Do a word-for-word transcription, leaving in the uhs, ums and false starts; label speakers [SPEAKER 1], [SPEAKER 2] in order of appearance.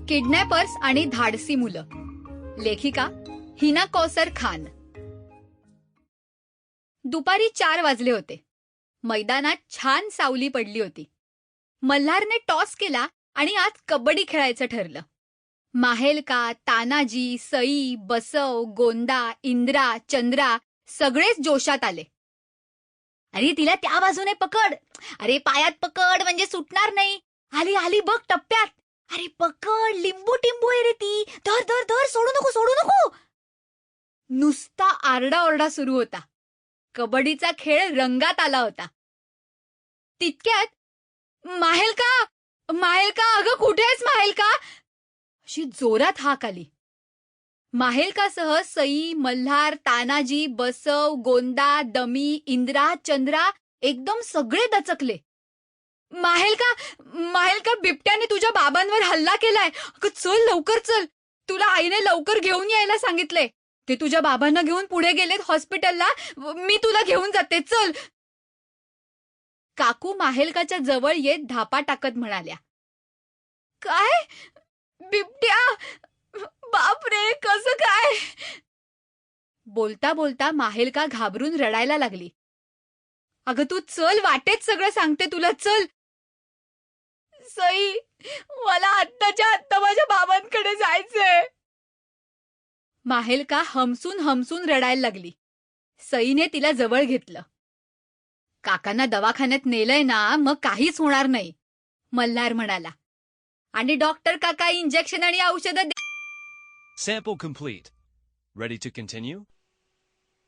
[SPEAKER 1] Kidnappers आणि धाडसी मुलं. लेखिका हिना कौसर खान. दुपारी चार वाजले होते. मैदानात छान सावली पडली होती. मल्हारने टॉस केला आणि आज कबड्डी खेळायचं ठरलं. माहेलका, तानाजी, सई, बसव, गोंदा, इंद्रा, चंद्रा सगळेच जोशात आले. अरे तिला त्या बाजूने पकड, अरे पायात पकड म्हणजे सुटणार नाही. आली आली बघ टप्प्यात. अरे पकड, लिंबू टिंबू आहे रे ती. धर धर धर, सोडू नको सोडू नको. नुसता आरडाओरडा सुरू होता. कबड्डीचा खेळ रंगात आला होता. तितक्यात माहेलका, माहेलका, अगं कुठे आहेस माहेलका, अशी जोरात हाक आली. माहेलकासह सई, मल्हार, तानाजी, बसव, गोंदा, दमी, इंद्रा, चंद्रा एकदम सगळे दचकले. माहेलका, माहेलका, बिबट्याने तुझ्या बाबांवर हल्ला केलाय. अगं चल लवकर चल, तुला आईने लवकर घेऊन यायला सांगितलंय. ते तुझ्या बाबांना घेऊन पुढे गेलेत हॉस्पिटलला. मी तुला घेऊन जाते, चल. काकू माहेलकाच्या जवळ येत धापा टाकत म्हणाल्या, काय बिबट्या, बापरे कसं काय. बोलता बोलता माहेलका घाबरून रडायला लागली. अगं तू चल, वाटेत सगळं सांगते तुला, चल. सई, मला आत्ताच्या आत्ता माझ्या बाबांकडे जायचंय. माहेलका हमसून हमसून रडायला लागली. सईने तिला जवळ घेतलं. काकांना दवाखान्यात नेलंय ना, मग काहीच होणार नाही, मल्हार म्हणाला. आणि डॉक्टर काका इंजेक्शन आणि औषधं.
[SPEAKER 2] Sample complete. Ready to continue?